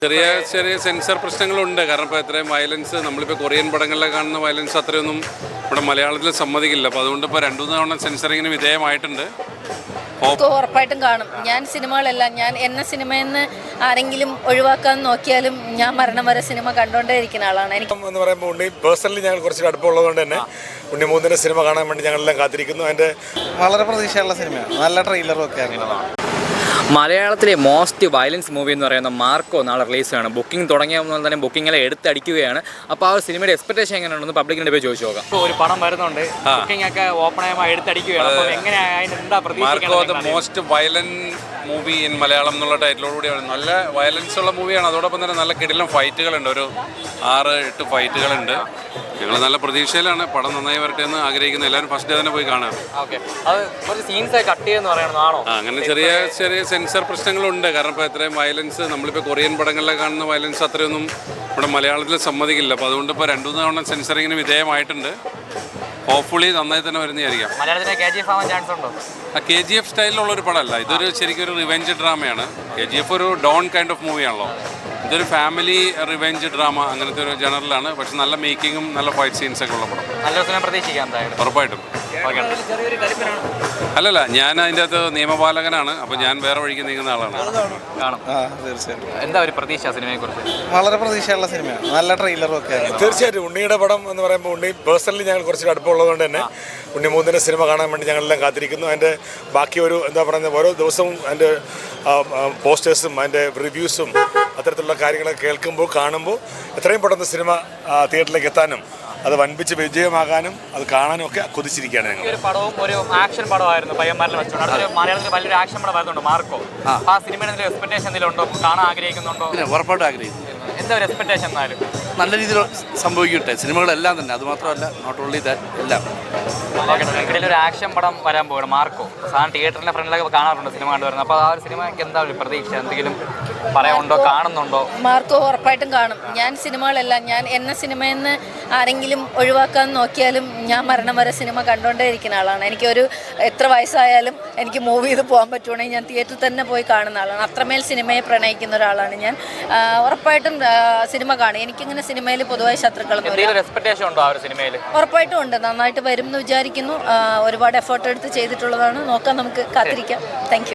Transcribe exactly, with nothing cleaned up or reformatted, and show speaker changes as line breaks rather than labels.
ചെറിയ ചെറിയ സെൻസർ പ്രശ്നങ്ങളുണ്ട്. കാരണം ഇപ്പോൾ എത്രയും വയലൻസ് നമ്മളിപ്പോൾ കൊറിയൻ പടങ്ങളിലൊക്കെ കാണുന്ന വയലൻസ് അത്രയൊന്നും ഇവിടെ മലയാളത്തിൽ സമ്മതിക്കില്ല. അപ്പോൾ അതുകൊണ്ട് ഇപ്പോൾ രണ്ടു മൂന്ന് തവണ സെൻസറിങ്ങിന് വിധേയമായിട്ടുണ്ട്.
ഉറപ്പായിട്ടും കാണും. ഞാൻ സിനിമകളെല്ലാം ഞാൻ എന്ന സിനിമയിൽ നിന്ന് ആരെങ്കിലും ഒഴിവാക്കാൻ നോക്കിയാലും ഞാൻ മരണം വരെ സിനിമ കണ്ടുകൊണ്ടേ ഇരിക്കുന്ന ആളാണ്. എനിക്ക്
എന്ന് പറയുമ്പോൾ ഉണ്ണി പേഴ്സണലി ഞങ്ങൾ കുറച്ച് അടുപ്പമുള്ളതുകൊണ്ട് തന്നെ ഉണ്ണി മൂന്നിൻ്റെ സിനിമ കാണാൻ വേണ്ടി ഞങ്ങളെല്ലാം കാത്തിരിക്കുന്നു. അതിൻ്റെ
വളരെ പ്രതീക്ഷയുള്ള സിനിമയാണ്. നല്ല ട്രെയിലറും ഒക്കെ ആയിരുന്നു.
മലയാളത്തിലെ മോസ്റ്റ് വയലൻസ് മൂവി എന്ന് പറയുന്ന മാർക്കോ നാളെ റിലീസാണ്. ബുക്കിംഗ് തുടങ്ങിയപ്പോൾ തന്നെ ബുക്കിംഗെല്ലാം എടുത്തടിക്കുകയാണ്. അപ്പോൾ ആ സിനിമയുടെ എക്സ്പെക്ടേഷൻ എങ്ങനെയാണെന്ന് പബ്ലിക്കിൻ്റെ പോയി ചോദിച്ചു നോക്കാം.
ഒരു പടം വരുന്നുണ്ട്, ബുക്കിംഗ് ഒക്കെ ഓപ്പൺ ആയി എടുത്തടിക്കുകയാണ്. അപ്പോൾ എങ്ങനെയാണ് എന്താ
പ്രതീക്ഷിക്കുന്നത്? Most violent movie in Malayalam എന്നുള്ള ടൈറ്റിലോടുകൂടിയാണ്. നല്ല വയലൻസ് ഉള്ള മൂവിയാണ്. അതോടൊപ്പം തന്നെ നല്ല കിടിലം ഫൈറ്റുകളുണ്ട്. ഒരു ആറ് എട്ട് ഫൈറ്റുകളുണ്ട്. ഞങ്ങൾ നല്ല പ്രതീക്ഷയിലാണ്. പടം നന്നായി വരട്ടെ എന്ന് ആഗ്രഹിക്കുന്നു. എല്ലാവരും ഫസ്റ്റ് ഡേ തന്നെ പോയി കാണാം. അങ്ങനെ ചെറിയ ചെറിയ സെൻസർ പ്രശ്നങ്ങളുണ്ട്. കാരണം ഇപ്പോൾ എത്രയും വയലൻസ് നമ്മളിപ്പോൾ കൊറിയൻ പടങ്ങളിലൊക്കെ കാണുന്ന വയലൻസ് അത്രയൊന്നും ഇവിടെ മലയാളത്തിൽ സമ്മതിക്കില്ല. അപ്പോൾ അതുകൊണ്ട് ഇപ്പോൾ രണ്ടു മൂന്ന് തവണ സെൻസറിങ്ങിന് വിധേയമായിട്ടുണ്ട്. ഹോപ്പ്ഫുള്ളി നന്നായി തന്നെ വരുന്നതായിരിക്കാം. ആ കെ ജി എഫ് സ്റ്റൈലിലുള്ള ഒരു പടമല്ല. ഇതൊരു ശരിക്കും ഒരു റിവെഞ്ച് ഡ്രാമയാണ്. കെ ജി എഫ് ഒരു ഡോൺ കൈൻഡ് ഓഫ് മൂവിയാണല്ലോ. ഇതൊരു ഫാമിലി റിവെഞ്ച് ഡ്രാമ അങ്ങനത്തെ ഒരു ജനറലാണ്. പക്ഷെ നല്ല മേക്കിങ്ങും നല്ല ഫൈറ്റ് സീൻസൊക്കെ ഉള്ള പടം. ഉറപ്പായിട്ടും. അല്ലല്ല, ഞാൻ അതിൻ്റെ അകത്ത് നിയമപാലകനാണ്. അപ്പോൾ ഞാൻ വേറെ വഴിക്ക് നീങ്ങുന്ന ആളാണ്.
എന്താ ഒരു പ്രതീക്ഷ സിനിമയെക്കുറിച്ച്?
വളരെ പ്രതീക്ഷയുള്ള സിനിമയാണ്. നല്ല ട്രെയിലറും ഒക്കെ ആയിരുന്നു.
തീർച്ചയായിട്ടും ഉണ്ണിയുടെ പടം എന്ന് പറയുമ്പോൾ ഉണ്ണി പേഴ്സണലി ഞങ്ങൾ കുറച്ച് അടുപ്പമുള്ളതുകൊണ്ട് തന്നെ ഉണ്ണി മൂന്നിൻ്റെ സിനിമ കാണാൻ വേണ്ടി ഞങ്ങളെല്ലാം കാത്തിരിക്കുന്നു. അതിൻ്റെ ബാക്കി ഒരു എന്താ പറയുന്നത് ഓരോ ദിവസവും അതിൻ്റെ പോസ്റ്റേഴ്സും അതിൻ്റെ റിവ്യൂസും അത്തരത്തിലുള്ള കാര്യങ്ങളൊക്കെ കേൾക്കുമ്പോൾ കാണുമ്പോൾ എത്രയും പെട്ടെന്ന് സിനിമ തിയേറ്ററിലേക്ക് എത്താനും അത് വൻപിച്ച് വിജയമാകാനും അത് കാണാനും ഒക്കെ കൊതിച്ചിരിക്കുകയാണ് ഞങ്ങൾ.
ഒരു പടവും ഒരു ആക്ഷൻ പടമായിരുന്നു പയ്യന്മാരിൽ വെച്ചുകൊണ്ട്. അടുത്തൊരു മലയാളത്തിൽ വലിയൊരു ആക്ഷൻ പടം വരുന്നുണ്ട് മാർക്കോ. ആ സിനിമയുടെ എക്സ്പെക്ടേഷൻ എന്തെങ്കിലും ഉണ്ടോ? കാണാൻ ആഗ്രഹിക്കുന്നുണ്ടോ?
ഉറപ്പായിട്ടും ആഗ്രഹിക്കുന്നു.
എന്താ ഒരു എക്സ്പെക്ടേഷൻ എന്നാലും
നല്ല രീതിയിൽ സംഭവിക്കട്ടെ സിനിമകളെല്ലാം തന്നെ. അത് മാത്രമല്ല നോട്ട് ഓൺലി ദാറ്റ് എല്ലാം.
ഇടയിൽ ഒരു ആക്ഷൻ പടം വരാൻ പോകണം മാർക്കോ. സാധാരണ തിയേറ്ററിന്റെ ഫ്രണ്ടിലൊക്കെ കാണാറുണ്ട് സിനിമ കണ്ടുവരുന്നത്. അപ്പോൾ ആ ഒരു സിനിമയ്ക്ക് എന്താ ഒരു പ്രതീക്ഷ? എന്തെങ്കിലും പറയാനുണ്ടോ? കാണുന്നുണ്ടോ?
മാർക്കോ ഉറപ്പായിട്ടും കാണും. ഞാൻ സിനിമകളെല്ലാം ഞാൻ എന്ന സിനിമയിൽ നിന്ന് ആരെങ്കിലും ഒഴിവാക്കാൻ നോക്കിയാലും ഞാൻ മരണം വരെ സിനിമ കണ്ടുകൊണ്ടേ ഇരിക്കുന്ന ആളാണ്. എനിക്കൊരു എത്ര വയസ്സായാലും എനിക്ക് മൂവ് ചെയ്ത് പോകാൻ പറ്റുവാണെങ്കിൽ ഞാൻ തിയേറ്ററിൽ തന്നെ പോയി കാണുന്ന ആളാണ്. അത്രമേൽ സിനിമയെ പ്രണയിക്കുന്ന ഒരാളാണ് ഞാൻ. ഉറപ്പായിട്ടും സിനിമ കാണും. എനിക്കിങ്ങനെ സിനിമയിൽ പൊതുവായി ശത്രുക്കളൊന്നും ഉറപ്പായിട്ടും ഉണ്ട്. നന്നായിട്ട് വരും എന്ന് വിചാരിക്കുന്നു. ഒരുപാട് എഫേർട്ട് എടുത്ത് ചെയ്തിട്ടുള്ളതാണ്. നോക്കാം, നമുക്ക് കാത്തിരിക്കാം. Thank U.